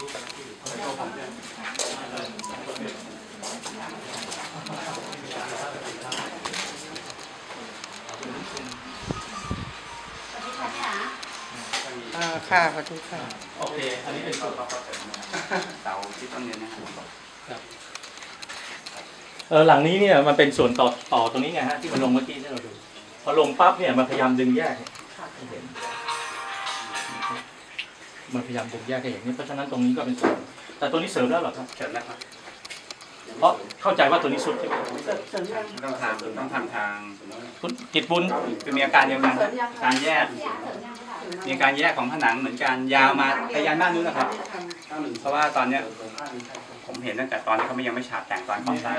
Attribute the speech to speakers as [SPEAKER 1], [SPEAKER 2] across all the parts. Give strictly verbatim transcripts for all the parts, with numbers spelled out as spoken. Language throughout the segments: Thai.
[SPEAKER 1] อ่าค่ะขอบคุณค่ะ
[SPEAKER 2] โอเคอันนี้เป็นส่วนต่อ
[SPEAKER 3] เสาที่ต้นเรียนนะครับ
[SPEAKER 2] เออหลังนี้เนี่ยมันเป็นส่วนต่อต่อตรงนี้ไงฮะที่มันลงเมื่อกี้ที่เราดูพอลงปั๊บเนี่ยมันพยายามดึงแยกให้เห็นมันพยายามดึงแยกให้เห็นนี่เพราะฉะนั้นตรงนี้ก็เป็นส่วนแต่ตัวนี้เสริมแล้วหรอครับ
[SPEAKER 3] เสริมแล้วครับ
[SPEAKER 2] เพราะเข้าใจว่าตัวนี้สุดใช่ไหม
[SPEAKER 3] ต้องทำต้องทำทาง
[SPEAKER 2] คุณกิตบุญ
[SPEAKER 3] คือมีอาการเดียวกันการแยกมีการแยกของผนังเหมือนกันยาวมาไปยันด้านนู้นนะครับเพราะว่าตอนเนี้ยผมเห็นตั้งแต่ตอนที่เขาไม่ยังไม่ฉาบแต่งตอนก่อสร้าง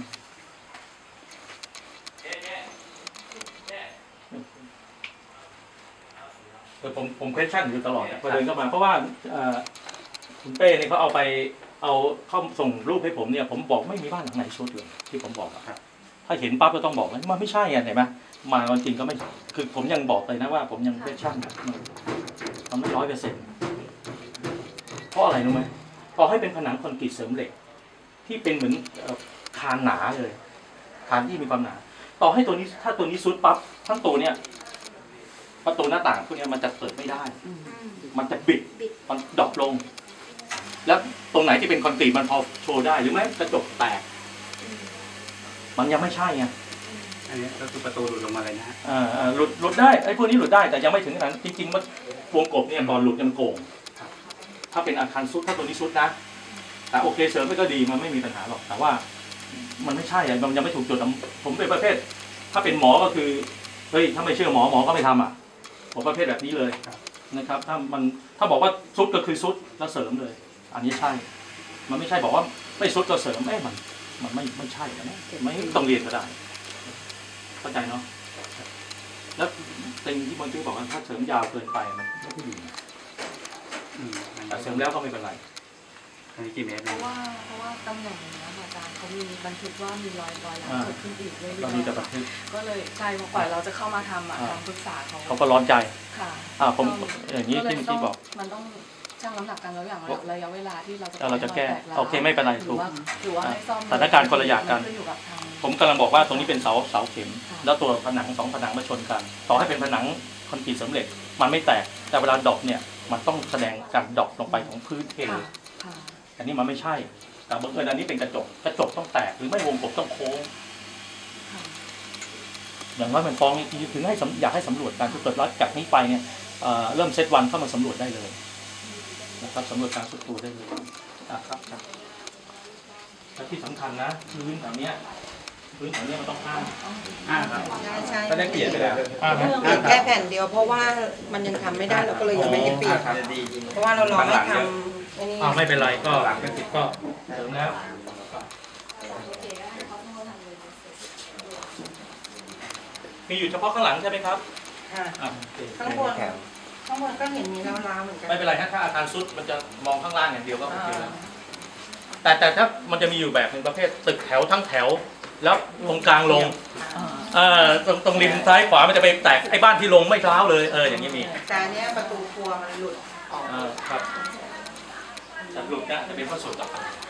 [SPEAKER 2] ผมผมเควสชั่นอยู่ตลอดพอเดินเข้ามาเพราะว่าคุณเป้เนี่ยเขาเอาไปเอาเข้าส่งรูปให้ผมเนี่ยผมบอกไม่มีบ้านหลังไหนชุดเลยที่ผมบอกครับถ้าเห็นปั๊บก็ต้องบอกว่ามันไม่ใช่ไงเห็นไหมมาจริงก็ไม่คือผมยังบอกเลยนะว่าผมยังเควสชั่นมันไม่ร้อยเปอร์เซ็นต์เพราะอะไรรู้ไหมพอให้เป็นผนังคอนกรีตเสริมเหล็กที่เป็นเหมือนคานหนาเลยคานที่มีความหนาต่อให้ตัวนี้ถ้าตัวนี้ซุดปั๊บทั้งตัวเนี่ยประตูหน้าต่างพวกนี้มันจะเปิดไม่ได้มันจะบิดมันดรอปลงแล้วตรงไหนที่เป็นคอนกรีตมันพอโชว์ได้หรือไม่กระจกแตกมันยังไม่ใช่ไง
[SPEAKER 3] อันนี้ก็คือประตูหลุดลงมาเลยนะฮะ
[SPEAKER 2] อ่าหลุดหลุดได้ไอ้พวกนี้หลุดได้แต่ยังไม่ถึงขนาดนั้นจริงๆมันวงกบเนี่ยก่อนหลุดยังโก่งถ้าเป็นอาคารซุดถ้าตัวนี้ซุดนะแต่โอเคเสริมไปก็ดีมันไม่มีปัญหาหรอกแต่ว่ามันไม่ใช่มันยังไม่ถูกจุดผมเป็นประเภทถ้าเป็นหมอก็คือเฮ้ยถ้าไม่เชื่อหมอหมอก็ไม่ทำอ่ะผมประเภทแบบนี้เลยนะครับถ้ามันถ้าบอกว่าซุดก็คือซุดแล้วเสริมเลยอันนี้ใช่มันไม่ใช่บอกว่าไม่ซุดก็เสริมเอ้มันมันไม่ไม่ใช่นะไม่ต้องเรียนก็ได้เข้าใจเนาะแล้วติงที่บางทีบอกว่าถ้าเสริมยาวเกินไปมันไม่ค่อยดีแต่เสริมแล้วก็ไม่เป็นไร
[SPEAKER 3] อันนี้กี่เมตร
[SPEAKER 4] เพราะว่าเพราะว่าตำแหน่งนี้อาจารย์เขามีบันทึกว่ามีรอยรอยหลังเกิดขึ้นอีกเรื่อยๆก็เลยใช่พอกว่าเราจะเข้ามาทำอ่ะทางปรึกษาเขา
[SPEAKER 2] เขาก็ร้อนใจ
[SPEAKER 4] ค่ะ
[SPEAKER 2] อ่าผมอย่างนี้ที่ที่บอก
[SPEAKER 4] มันต้องชั่งน้ำหนักกันแล้วอย่างระยะเวลาที่เราจะ
[SPEAKER 2] เราจะแก้โอเคไม่เป็นไรถูก
[SPEAKER 4] หรือว่าให้ซ่อม
[SPEAKER 2] สถานการณ์คนละอย่างกันผมกำลังบอกว่าตรงนี้เป็นเสาเสาเข็มแล้วตัวผนังสองผนังมาชนกันต่อให้เป็นผนังคอนกรีตสำเร็จมันไม่แตกแต่เวลาดอกเนี่ยมันต้องแสดงการดอกลงไปของพื้นเทอันนี้มันไม่ใช่แต่บังเอิญอันนี้เป็นกระจกกระจกต้องแตกหรือไม่วงกบต้องโค้งอย่างน้อยมันฟ้องถึงให้อยากให้สำรวจการทุกเกิดแล้วจากนี้ไปเนี่ยเริ่มเซตวันเข้ามาสำรวจได้เลยนะครับสำรวจการสุดตัวได้เลยครับครับและที่สำคัญนะพื้นแถวนี้พื้นแถวนี้มันต้องอ้าง
[SPEAKER 3] อ้างครับ
[SPEAKER 1] ใช่
[SPEAKER 3] ก็ได้เปลี่ยนไปแล้ว
[SPEAKER 1] แค่แผ่นเดียวเพราะว่ามันยังทำไม่ได้เราก็เลยยังไม่ได้เปลี่ยนเพราะว่าเรารอให้ทำ
[SPEAKER 2] อ้าวไม่เป็นไรก็หลังก็ติดก็เสริมแล้วมีอยู่เฉพาะข้างหลังใช่ไหมครับ
[SPEAKER 1] ข้างบนข้างบนก็เห็นมีล้าวๆเหมือนกัน
[SPEAKER 2] ไม่เป็นไรถ้าอาคารซุดมันจะมองข้างล่างอย่างเดียวก็โอเคแล้วแต่แต่ถ้ามันจะมีอยู่แบบหนึ่งประเภทตึกแถวทั้งแถวแล้วตรงกลางลงเออตรงตรงริมซ้ายขวามันจะไปแตกไอ้บ้านที่ลงไม่ร้าวเลยเอออย่างนี้มี
[SPEAKER 1] แต่เนี้ยประตูครัวมันหลุดออก
[SPEAKER 2] ครับหลุดนะจะเป็นข้อสุดต่อไป